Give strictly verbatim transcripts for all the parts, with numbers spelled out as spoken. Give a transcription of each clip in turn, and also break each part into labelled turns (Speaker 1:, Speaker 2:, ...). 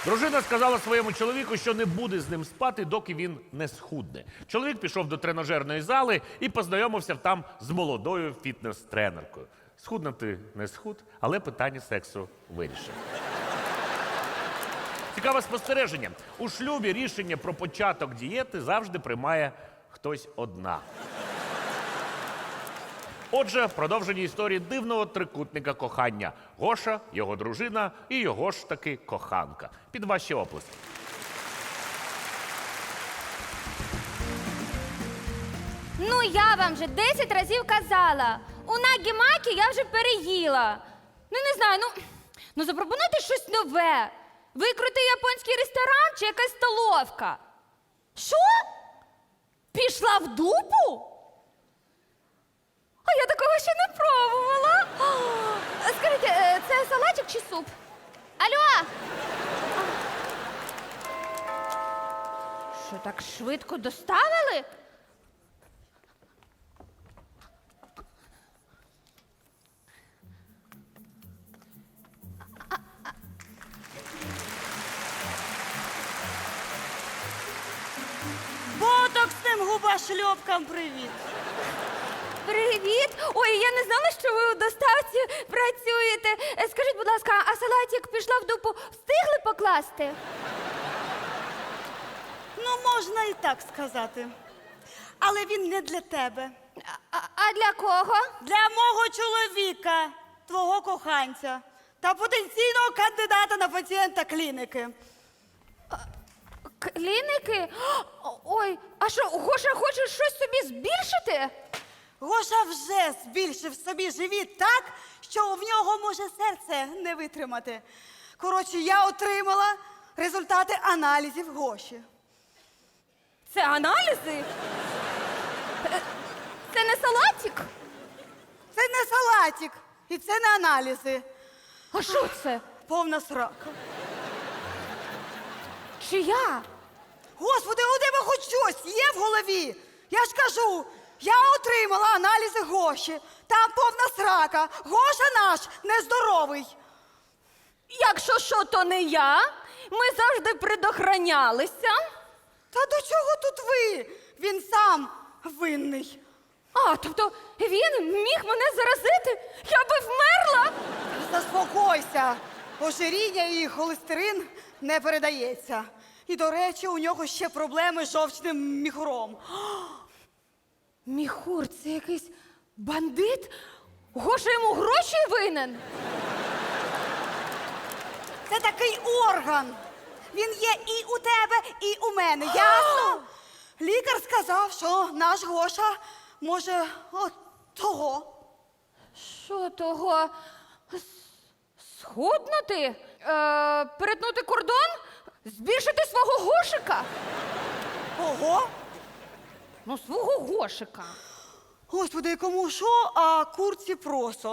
Speaker 1: Дружина сказала своєму чоловіку, що не буде з ним спати, доки він не схудне. Чоловік пішов до тренажерної зали і познайомився там з молодою фітнес-тренеркою. Схуднути не схуд, але питання сексу вирішив. Цікаве спостереження. У шлюбі рішення про початок дієти завжди приймає хтось одна. Отже, в продовженні історії дивного трикутника кохання. Гоша, його дружина і його ж таки коханка. Під ваші оплески.
Speaker 2: Ну, я вам вже десять разів казала. У нагі-макі я вже переїла. Ну, не знаю, ну, ну запропонуйте щось нове. Викрути японський ресторан чи якась столовка. Що? Пішла в дупу? А я такого ще не пробувала. О, скажіть, е, це салатик чи суп? Алло! Що, так швидко доставили?
Speaker 3: Ботоксним губошльопкам привіт.
Speaker 2: Привіт! Ой, я не знала, що ви у доставці працюєте. Е, Скажіть, будь ласка, а салатик пішла в дупу, встигли покласти?
Speaker 3: Ну, можна і так сказати. Але він не для тебе.
Speaker 2: А, а для кого?
Speaker 3: Для мого чоловіка, твого коханця та потенційного кандидата на пацієнта клініки.
Speaker 2: Кліники? О, Ой, а що, Гоша хоче щось собі збільшити?
Speaker 3: Гоша вже збільшив собі живіт так, що в нього може серце не витримати. Коротше, я отримала результати аналізів Гоші.
Speaker 2: Це аналізи? Е, Це не салатик?
Speaker 3: Це не салатик і це не аналізи.
Speaker 2: А що це?
Speaker 3: Повна срака.
Speaker 2: Чия?
Speaker 3: Господи, у тебе хоч щось є в голові? Я ж кажу, я отримала аналізи Гоші. Там повна срака. Гоша наш нездоровий.
Speaker 2: Якщо що, то не я. Ми завжди предохранялися.
Speaker 3: Та до чого тут ви? Він сам винний.
Speaker 2: А, тобто він міг мене заразити? Я би вмерла?
Speaker 3: Заспокойся. Ожиріння і холестерин не передається. І, до речі, у нього ще проблеми з жовчним міхуром.
Speaker 2: Міхур, це якийсь бандит? Гоша йому гроші винен?
Speaker 3: Це такий орган. Він є і у тебе, і у мене. Ясно? Лікар сказав, що наш Гоша може от того.
Speaker 2: Що того? С- Схуднути? Е, перетнути кордон? Збільшити свого Гошика?
Speaker 3: Ого?
Speaker 2: Ну, свого Гошика.
Speaker 3: Господи, кому що, а курці просо.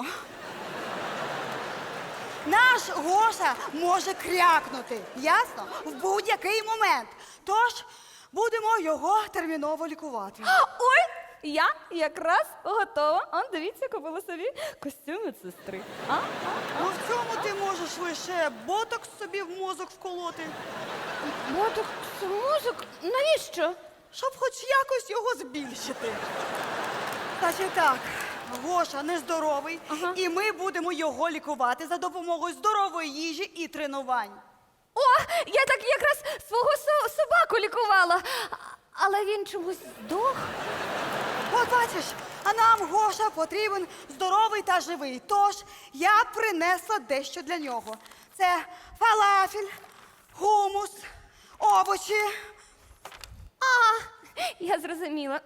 Speaker 3: Наш Гоша може крякнути, ясно? В будь-який момент. Тож будемо його терміново лікувати.
Speaker 2: Ой, я якраз готова. Он, дивіться, купила собі костюм медсестри. А?
Speaker 3: Ну в цьому ти можеш лише ботокс собі в мозок вколоти,
Speaker 2: Ботокс, мозок? Навіщо?
Speaker 3: щоб хоч якось його збільшити. Значить так, Гоша нездоровий,
Speaker 2: Ага.
Speaker 3: і ми будемо його лікувати за допомогою здорової їжі і тренувань.
Speaker 2: О, я так якраз свого со- собаку лікувала. А- Але він чомусь здох.
Speaker 3: От бачиш, а нам Гоша потрібен здоровий та живий. Тож я принесла дещо для нього. Це фалафель, хумус, овочі.
Speaker 2: А, я зрозуміла.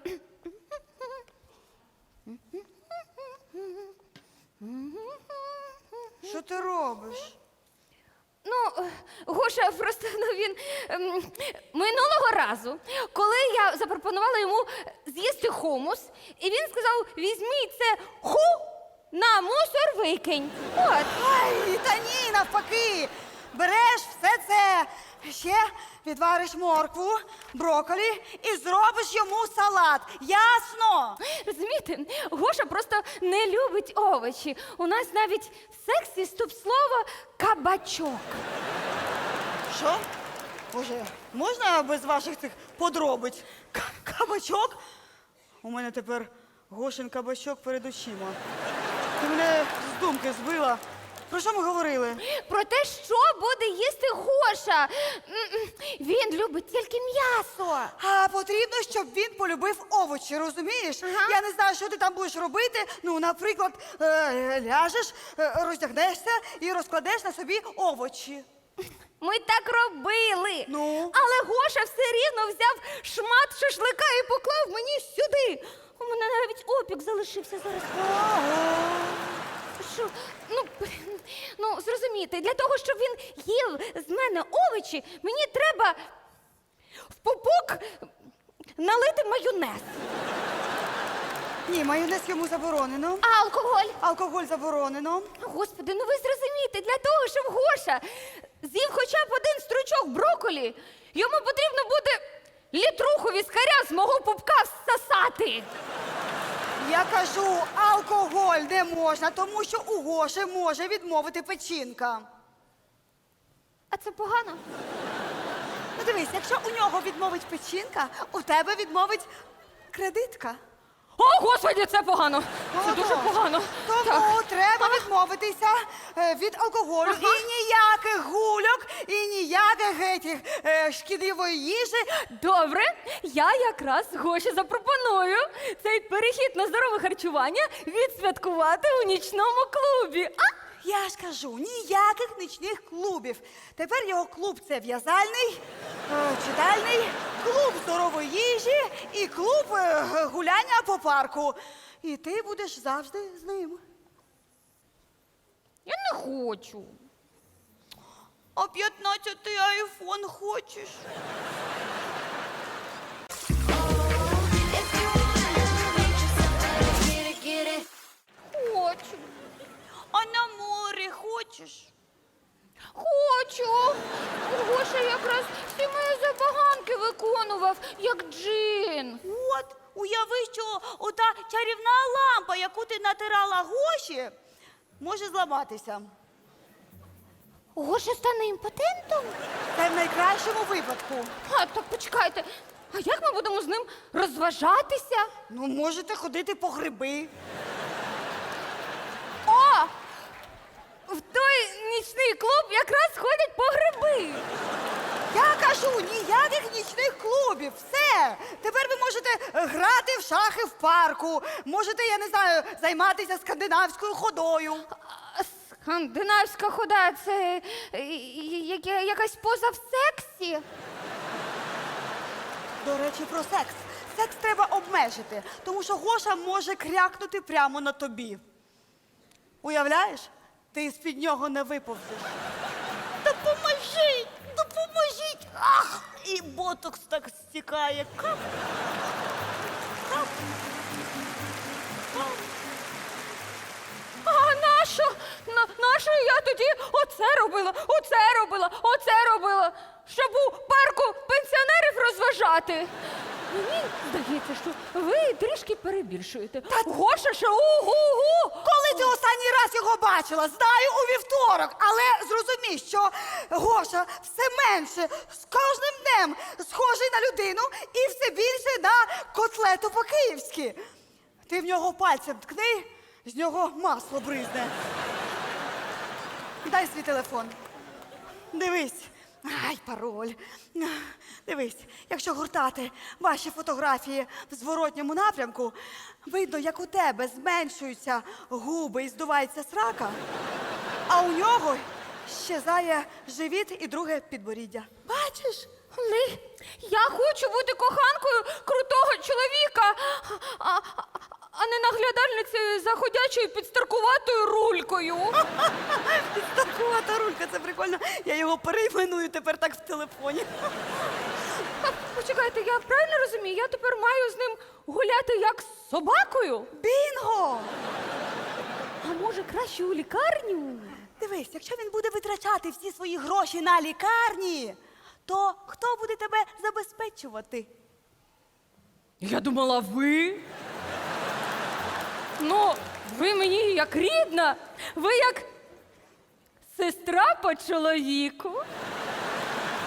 Speaker 3: Що ти робиш?
Speaker 2: Ну, Гоша просто ну, він ем, минулого разу, коли я запропонувала йому з'їсти хумус, і він сказав: візьміть це ху на мусор викинь. От.
Speaker 3: Ай, та ні, навпаки. Береш все це, ще відвариш моркву, брокколі і зробиш йому салат. Ясно?
Speaker 2: Розумієте, Гоша просто не любить овочі. У нас навіть в сексі стоп-слово кабачок.
Speaker 3: Що? Боже, можна без ваших цих подробиць? К- Кабачок? У мене тепер Гошин кабачок перед очима. Ти мене з думки збила. Про що ми говорили?
Speaker 2: Про те, що буде їсти Гоша. М-м, Він любить тільки м'ясо.
Speaker 3: А потрібно, щоб він полюбив овочі, розумієш?
Speaker 2: Ага.
Speaker 3: Я не знаю, що ти там будеш робити. Ну, наприклад, е, ляжеш, е, роздягнешся і розкладеш на собі овочі.
Speaker 2: Ми так робили.
Speaker 3: Ну?
Speaker 2: Але Гоша все рівно взяв шмат шашлика і поклав мені сюди. У мене навіть опік залишився зараз. Що? Ну, ну, зрозумійте, для того, щоб він їв з мене овочі, мені треба в пупок налити майонез.
Speaker 3: Ні, майонез йому заборонено.
Speaker 2: А алкоголь?
Speaker 3: Алкоголь заборонено.
Speaker 2: Господи, ну ви зрозумієте, для того, щоб Гоша з'їв хоча б один стручок брокколі, йому потрібно буде літруху віскаря з мого пупка всосати.
Speaker 3: Я кажу, алкоголь не можна, тому що у Гоші може відмовити печінка.
Speaker 2: А це погано?
Speaker 3: Ну дивись, якщо у нього відмовить печінка, у тебе відмовить кредитка.
Speaker 2: О, Господи, це погано. Це
Speaker 3: Отож.
Speaker 2: дуже погано.
Speaker 3: Тому
Speaker 2: Так.
Speaker 3: треба відмовитися е, від алкоголю.
Speaker 2: Ага.
Speaker 3: І ніяких гульок, і ніяких етіх, е, шкідливої їжі.
Speaker 2: Добре, я якраз Гоші запропоную цей перехід на здорове харчування відсвяткувати у нічному клубі. А?
Speaker 3: Я ж кажу, ніяких нічних клубів. Тепер його клуб це в'язальний, е, читальний, клуб здорової їжі і клуб е, гуляння по парку. І ти будеш завжди з ним.
Speaker 2: Я не хочу.
Speaker 3: А п'ятнадцятий айфон хочеш?
Speaker 2: Хочу.
Speaker 3: А на море хочеш?
Speaker 2: Хочу. Гоша якраз всі мої забаганки виконував, як джин.
Speaker 3: От, уяви, що ота чарівна лампа, яку ти натирала Гоші, може зламатися.
Speaker 2: Гоша стане імпотентом?
Speaker 3: Це в найкращому випадку.
Speaker 2: А, так почекайте. А як ми будемо з ним розважатися?
Speaker 3: Ну, можете ходити по гриби.
Speaker 2: О! В той нічний клуб якраз ходять по гриби.
Speaker 3: Я кажу, ніяких нічних клубів. Все. Тепер ви можете е, грати в шахи в парку. Можете, я не знаю, займатися скандинавською ходою.
Speaker 2: А, Скандинавська хода це е, я- я- якась поза в сексі.
Speaker 3: До речі, про секс. Секс треба обмежити, тому що Гоша може крякнути прямо на тобі. Уявляєш? Ти з-під нього не виповзеш. Допоможіть! Допоможіть! Ах! І ботокс так стікає. Кап. Кап. Кап.
Speaker 2: А нащо? На, нащо я тоді оце робила, оце робила, оце робила, щоб у парку пенсіонерів розважати? Мені здається, що ви трішки перебільшуєте. Гоша ще угу-гу!
Speaker 3: Коли ти останній раз його бачила? Знаю, у вівторок. Але зрозумій, що Гоша все менше з кожним днем схожий на людину і все більше на котлету по-київськи. Ти в нього пальцем ткни, з нього масло бризне. Дай свій телефон. Дивись. Ай, пароль. Дивись, якщо гуртати ваші фотографії в зворотньому напрямку, видно, як у тебе зменшуються губи і здувається срака, а у нього щезає живіт і друге підборіддя. Бачиш?
Speaker 2: Але я хочу бути коханкою крутого чоловіка, а, а, а не наглядальницею за ходячою підстаркуватою рулькою.
Speaker 3: Підстаркувата рулька, це прикольно. Я його перейменую тепер так в телефоні.
Speaker 2: А, почекайте, я правильно розумію? Я тепер маю з ним гуляти як з собакою?
Speaker 3: Бінго!
Speaker 2: А може краще у лікарню?
Speaker 3: Дивись, якщо він буде витрачати всі свої гроші на лікарні, то хто буде тебе забезпечувати?
Speaker 2: Я думала, ви. Ну, ви мені як рідна, ви як сестра по чоловіку.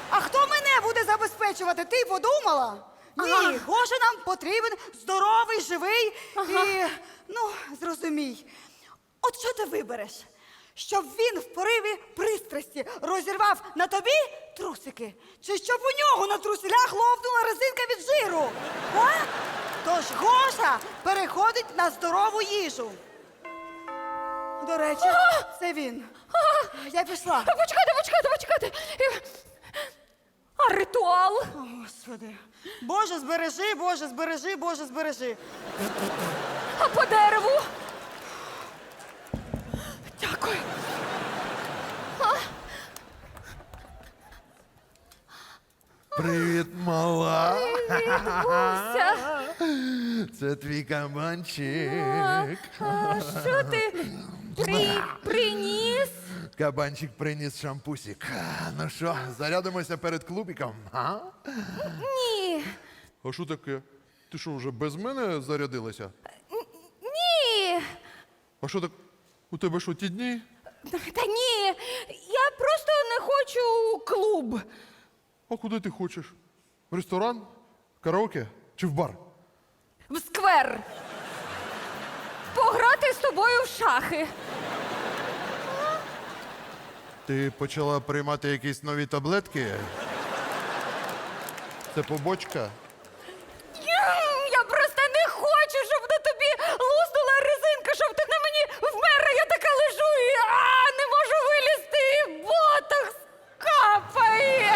Speaker 3: А хто мене буде забезпечувати? Ти подумала? Ні,
Speaker 2: Ага.
Speaker 3: Гоша нам потрібен здоровий, живий
Speaker 2: Ага.
Speaker 3: і, ну, зрозумій. От що ти вибереш? Щоб він в пориві пристрасті розірвав на тобі трусики? Чи щоб у нього на труселях ловнула резинка від жиру? А? Тож Гоша переходить на здорову їжу. До речі, це він. Я пішла.
Speaker 2: Почекайте, почекайте, почекайте. Е, А ритуал?
Speaker 3: О, Господи. Боже, збережи, Боже, збережи, Боже, збережи.
Speaker 2: А по дереву? Дякую.
Speaker 4: Привіт, мала.
Speaker 2: Відбувся.
Speaker 4: Це твій кабанчик.
Speaker 2: А що ти при... приніс?
Speaker 4: Кабанчик приніс шампусик. Ну що, зарядимося перед клубіком? А?
Speaker 2: Ні.
Speaker 4: А що таке? Ти що, вже без мене зарядилася?
Speaker 2: Ні.
Speaker 4: А що так? У тебе що, ті дні?
Speaker 2: Та ні. Я просто не хочу у клуб.
Speaker 4: А куди ти хочеш? В ресторан? Караоке? Чи в бар?
Speaker 2: В сквер. Пограти з тобою в шахи.
Speaker 4: Ти почала приймати якісь нові таблетки? Це побочка?
Speaker 2: Я просто не хочу, щоб на тобі луснула резинка, щоб ти на мені вмерла. Я така лежу і а, не можу вилізти. І ботокс капає.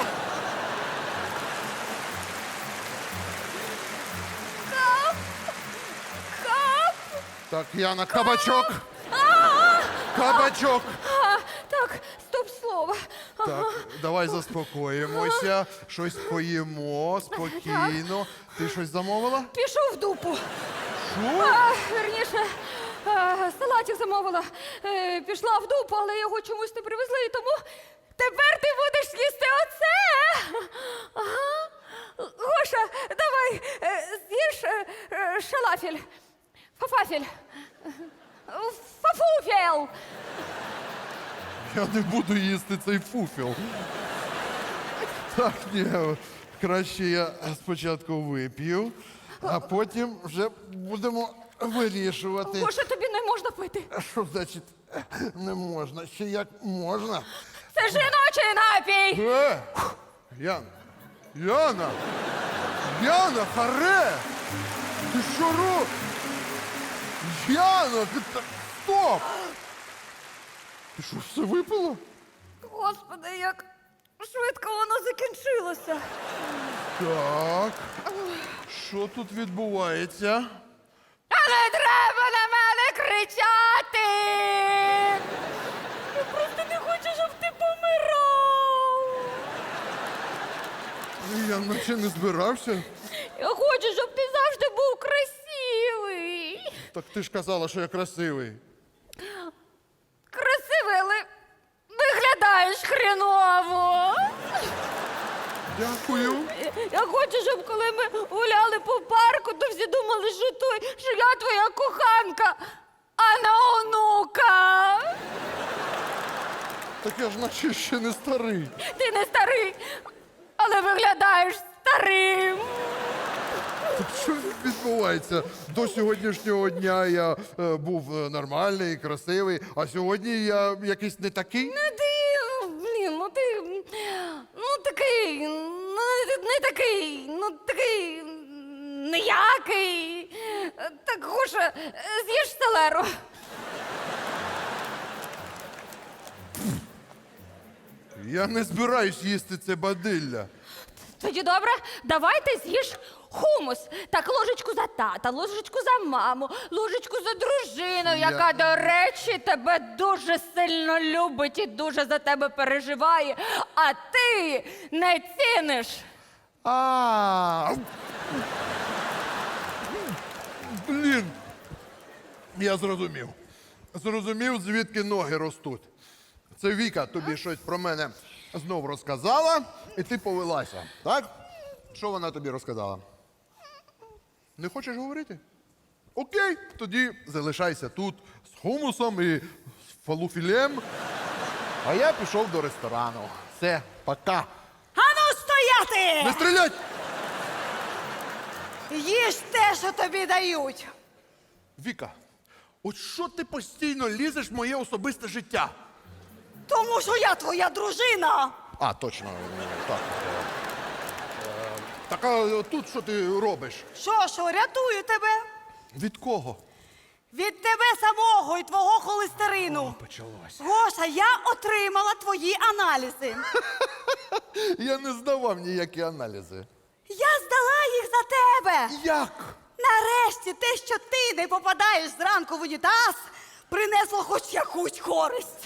Speaker 2: Кап. Кап.
Speaker 4: Так, Яна, кабачок! Кабачок!
Speaker 2: А, так, стоп слово.
Speaker 4: Так, давай заспокоїмося, щось поїмо спокійно. Ти щось замовила?
Speaker 2: Пішов в дупу.
Speaker 4: Що?
Speaker 2: А, верніше, а, салатик замовила. Е, пішла в дупу, але його чомусь не привезли, і тому тепер ти будеш їсти оце. Ага. Гоша, давай, е, з'їж е, е, шалафель. Фафафель. Фафуфел.
Speaker 4: Я не буду їсти цей фуфіл. Так, ні, краще я спочатку вип'ю, а потім вже будемо вирішувати.
Speaker 2: Гоша, тобі не можна пити.
Speaker 4: А що значить не можна? Ще як можна?
Speaker 2: Це жіночий напій.
Speaker 4: Е! Яна! Яна! Яна, харе! Ти що робиш? Яна, ти та... Стоп! Ти що, все випила?
Speaker 2: Господи, як швидко воно закінчилося.
Speaker 4: Так. Що тут відбувається?
Speaker 2: А не треба на мене кричати! Я просто не хочу, щоб ти помирав.
Speaker 4: Я наче не збирався.
Speaker 2: Я хочу, щоб ти завжди був красивий.
Speaker 4: Так ти ж казала, що я красивий.
Speaker 2: Красивий, але виглядаєш хреново.
Speaker 4: Дякую.
Speaker 2: Я хочу, щоб коли ми гуляли по парку, то всі думали, що той, що я твоя коханка, а не онука.
Speaker 4: Так я ж наче ще не старий.
Speaker 2: Ти не старий, але виглядаєш старим.
Speaker 4: Так що відбувається? До сьогоднішнього дня я е, був е, нормальний, красивий, а сьогодні я якийсь не такий.
Speaker 2: Ну ти, блін, ну ти, ну такий, ну не, не такий, ну такий ніякий. Так, Гоша, з'їж селеру.
Speaker 4: Я не збираюсь їсти це бадилля.
Speaker 2: Тоді добре, давайте з'їж хумус. Так, ложечку за тата, ложечку за маму, ложечку за дружину,
Speaker 4: Я-
Speaker 2: яка, до речі, тебе дуже сильно любить і дуже за тебе переживає, а ти не ціниш.
Speaker 4: А. Блін. Я зрозумів. Зрозумів, звідки ноги ростуть. Це Віка тобі щось про мене знов розказала, і ти повелася, так? Що вона тобі розказала? Не хочеш говорити? Окей, тоді залишайся тут з хумусом і з фалуфілем. А я пішов до ресторану. Все, пока.
Speaker 3: Ану, стріляти!
Speaker 4: Не стрілять!
Speaker 3: Їж те, що тобі дають.
Speaker 4: Віка, от що ти постійно лізеш в моє особисте життя?
Speaker 3: Тому що я твоя дружина.
Speaker 4: А, точно, ну, так. Е, е, Так, а тут що ти робиш?
Speaker 3: Що, що, рятую тебе?
Speaker 4: Від кого?
Speaker 3: Від тебе самого і твого холестерину.
Speaker 4: Почалось.
Speaker 3: Гоша, я отримала твої аналізи.
Speaker 4: Я не здавав ніякі аналізи.
Speaker 3: Я здала їх за тебе.
Speaker 4: Як?
Speaker 3: Нарешті те, що ти не попадаєш зранку в унітаз, принесло хоч якусь користь.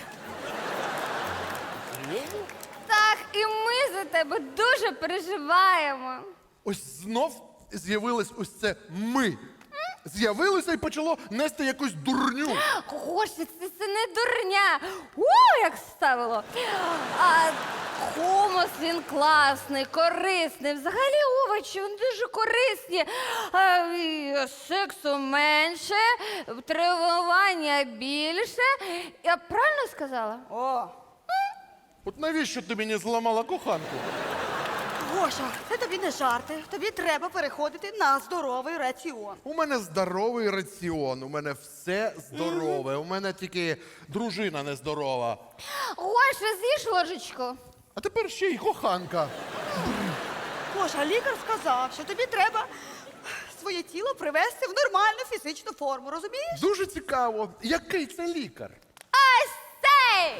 Speaker 2: Так, і ми за тебе дуже переживаємо.
Speaker 4: Ось знов з'явилось ось це ми. З'явилося і почало нести якусь дурню.
Speaker 2: Гош, це, це не дурня. У, як ставило. А хумус, він класний, корисний. Взагалі овочі, вони дуже корисні. А, і сексу менше, тренування більше. Я правильно сказала?
Speaker 3: О,
Speaker 4: От навіщо ти мені зламала коханку?
Speaker 3: Гоша, це тобі не жарти. Тобі треба переходити на здоровий раціон.
Speaker 4: У мене здоровий раціон, у мене все здорове. У мене тільки дружина нездорова.
Speaker 2: Гоша, з'їж ложечку.
Speaker 4: А тепер ще й коханка.
Speaker 3: Гоша, лікар сказав, що тобі треба своє тіло привести в нормальну фізичну форму, розумієш?
Speaker 4: Дуже цікаво, який це лікар?
Speaker 2: Ось цей!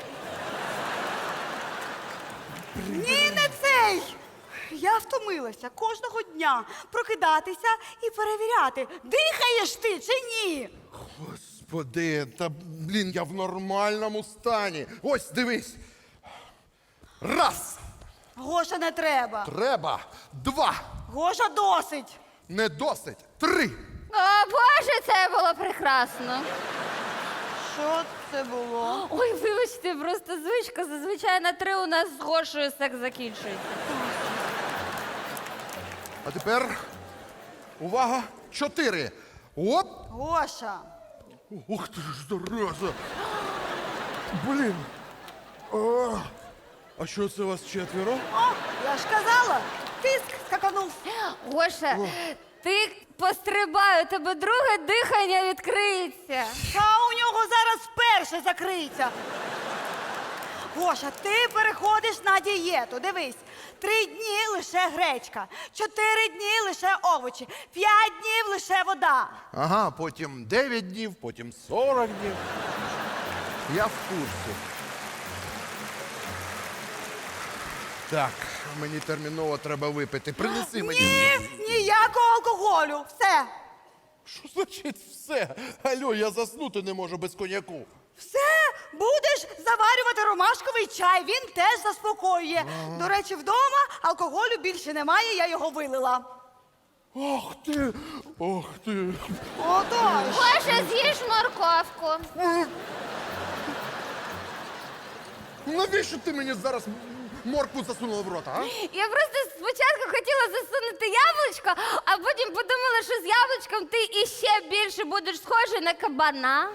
Speaker 3: Ні, не цей! Я втомилася кожного дня прокидатися і перевіряти, дихаєш ти чи ні.
Speaker 4: Господи, та блін, я в нормальному стані. Ось, дивись. Раз.
Speaker 3: Гоша, не треба.
Speaker 4: Треба. Два.
Speaker 3: Гоша, досить.
Speaker 4: Не досить. Три.
Speaker 2: О, Боже, це було прекрасно.
Speaker 3: Що це було?
Speaker 2: Ой, вибачте, просто звичка. Зазвичай на три у нас з Гошею секс закінчується.
Speaker 4: А тепер. Увага. Чотири. Оп.
Speaker 3: Гоша.
Speaker 4: Ух ти ж, зараза. Блін. О, а що це вас четверо?
Speaker 3: О, я ж казала, тиск скаканув.
Speaker 2: Гоша, ти пострибай, у тебе друге дихання відкриється.
Speaker 3: Та у нього зараз перше закриється. Гоша, ти переходиш на дієту. Дивись, три дні лише гречка, чотири дні лише овочі, п'ять днів лише вода.
Speaker 4: Ага, потім дев'ять днів, потім сорок днів. Я в курсі. Так, мені терміново треба випити. Принеси мені.
Speaker 3: Ні, ніякого алкоголю. Все.
Speaker 4: Що значить все? Алло, я заснути не можу без коньяку.
Speaker 3: Все, будеш заварювати ромашковий чай, він теж заспокоює. До речі, вдома алкоголю більше немає, я його вилила.
Speaker 4: Ох ти, ох ти.
Speaker 3: Отож.
Speaker 2: Гоша, з'їж морковку.
Speaker 4: Навіщо ти мені зараз моркву засунула в рота, а?
Speaker 2: Я просто спочатку хотіла засунути яблучко, а потім подумала, що з яблучком ти іще більше будеш схожий на кабана.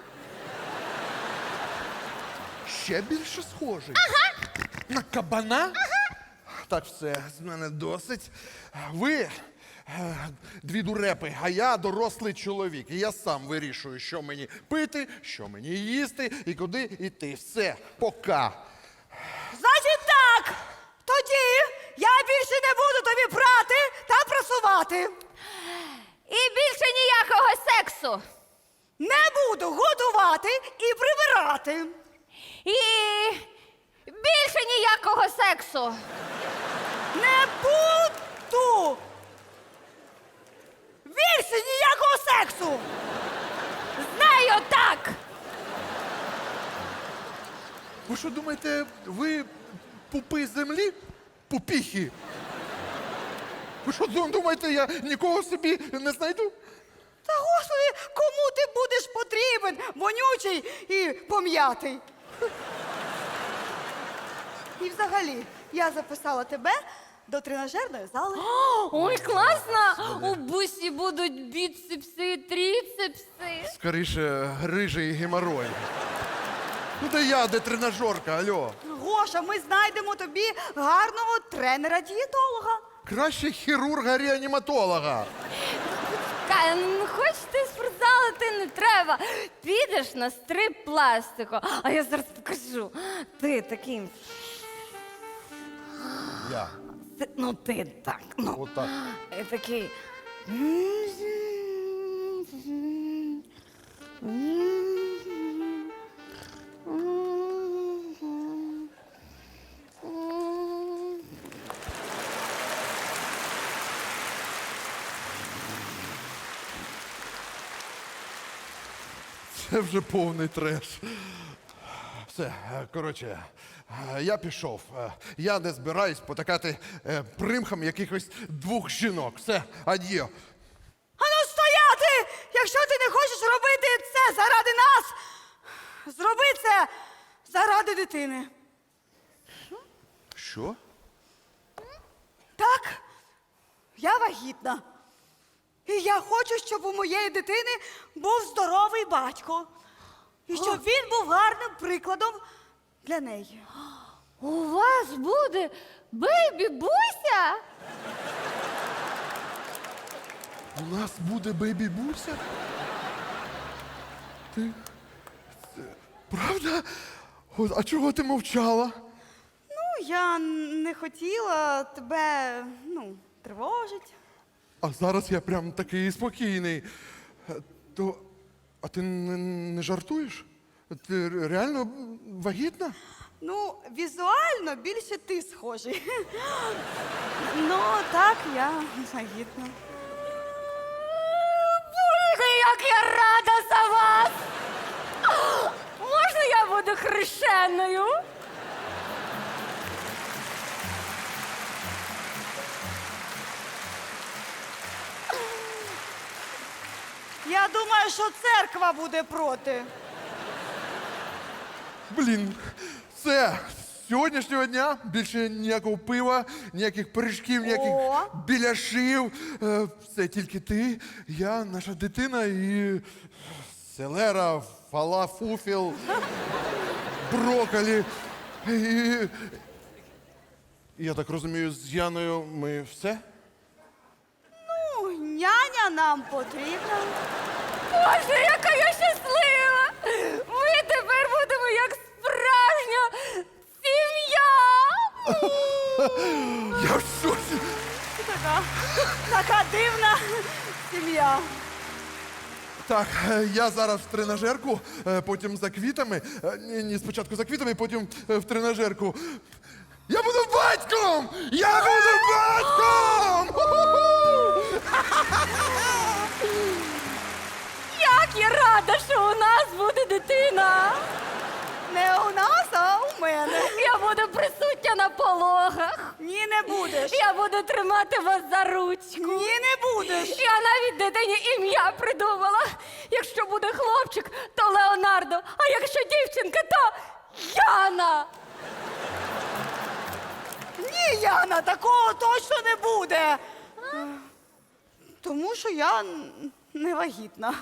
Speaker 4: Ще більше схожий. Ага. На кабана? Ага. Так, все, з мене досить. Ви е, дві дурепи, а я дорослий чоловік. І я сам вирішую, що мені пити, що мені їсти і куди йти. Все, пока.
Speaker 3: Значить так, тоді я більше не буду тобі прати та прасувати.
Speaker 2: І більше ніякого сексу.
Speaker 3: Не буду годувати і прибирати.
Speaker 2: І більше ніякого сексу.
Speaker 3: Не буду. Більше ніякого сексу.
Speaker 2: Знаю так.
Speaker 4: Ви що думаєте, ви пупи землі? Пупіхи? Ви що думаєте, я нікого собі не знайду?
Speaker 3: Та господи, кому ти будеш потрібен, вонючий і пом'ятий? І взагалі, я записала тебе до тренажерної зали.
Speaker 2: Ой, класно! У бусі будуть біцепси і тріцепси.
Speaker 4: Скоріше, грижий геморой. Ну де я, де тренажерка, алло.
Speaker 3: Гоша, ми знайдемо тобі гарного тренера-дієтолога.
Speaker 4: Краще хірурга-реаніматолога.
Speaker 2: Кай, ну хочете спортзал, ти не треба. Підеш на стрип пластику. А я зараз покажу. Ти такий.
Speaker 4: Я.
Speaker 2: Ти- ну ти так. Ну.
Speaker 4: Отак.
Speaker 2: І такий.
Speaker 4: Це вже повний треш. Все, е, коротше, е, я пішов. Е, Я не збираюсь потакати е, примхам якихось двох жінок. Все, ад'є.
Speaker 3: Ану стояти! Якщо ти не хочеш робити це заради нас, зроби це заради дитини.
Speaker 4: Що?
Speaker 3: Так, я вагітна. І я хочу, щоб у моєї дитини був здоровий батько. І щоб він був гарним прикладом для неї.
Speaker 2: У вас буде бейбі-буся?
Speaker 4: У нас буде бейбі-буся? Ти. Це... Правда? От, а чого ти мовчала?
Speaker 3: Ну, я не хотіла тебе, ну, тривожити.
Speaker 4: А зараз я прям такий спокійний. Е, То. А ти не, не жартуєш? Ти ре- реально вагітна?
Speaker 3: Ну, візуально більше ти схожий. Ну, так, я вагітна.
Speaker 2: Боже, як я рада за вас! Можна я буду хрещеною?
Speaker 3: Я думаю, що церква буде проти.
Speaker 4: Блін, все. З сьогоднішнього дня більше ніякого пива, ніяких пиріжків, ніяких
Speaker 3: О.
Speaker 4: біляшів. Е, Все тільки ти, я, наша дитина і селера, фалафуфіл, брокколі. І... Я так розумію, з Яною ми все?
Speaker 3: Ну, няня нам потрібна.
Speaker 2: Боже, яка я щаслива! Ми тепер будемо як справжня сім'я!
Speaker 4: Я в шоці!
Speaker 3: Така, така дивна сім'я.
Speaker 4: Так, е, я зараз в тренажерку, е, потім за квітами. Е, Ні, ні, спочатку за квітами, потім е, в тренажерку. Я буду батьком! Я буду батьком! Ху-ху-ху!
Speaker 2: Як я рада, що у нас буде дитина!
Speaker 3: Не у нас, а у мене.
Speaker 2: Я буду присутня на пологах.
Speaker 3: Ні, не будеш.
Speaker 2: Я буду тримати вас за ручку.
Speaker 3: Ні, не будеш.
Speaker 2: Я навіть дитині ім'я придумала. Якщо буде хлопчик, то Леонардо, а якщо дівчинка, то Яна.
Speaker 3: Ні, Яна, такого точно не буде. Тому що я н- не вагітна.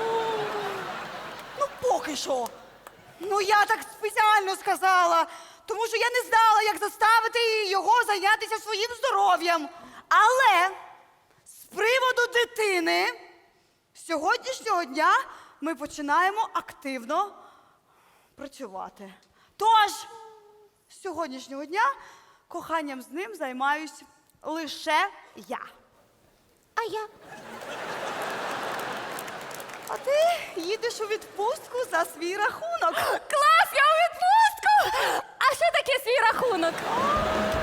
Speaker 3: Ну, поки що. Ну, я так спеціально сказала, тому що я не знала, як заставити його зайнятися своїм здоров'ям. Але з приводу дитини, з сьогоднішнього дня ми починаємо активно працювати. Тож, з сьогоднішнього дня коханням з ним займаюсь лише я.
Speaker 2: А я?
Speaker 3: А ти їдеш у відпустку за свій рахунок.
Speaker 2: Клас, я у відпустку! А що таке свій рахунок?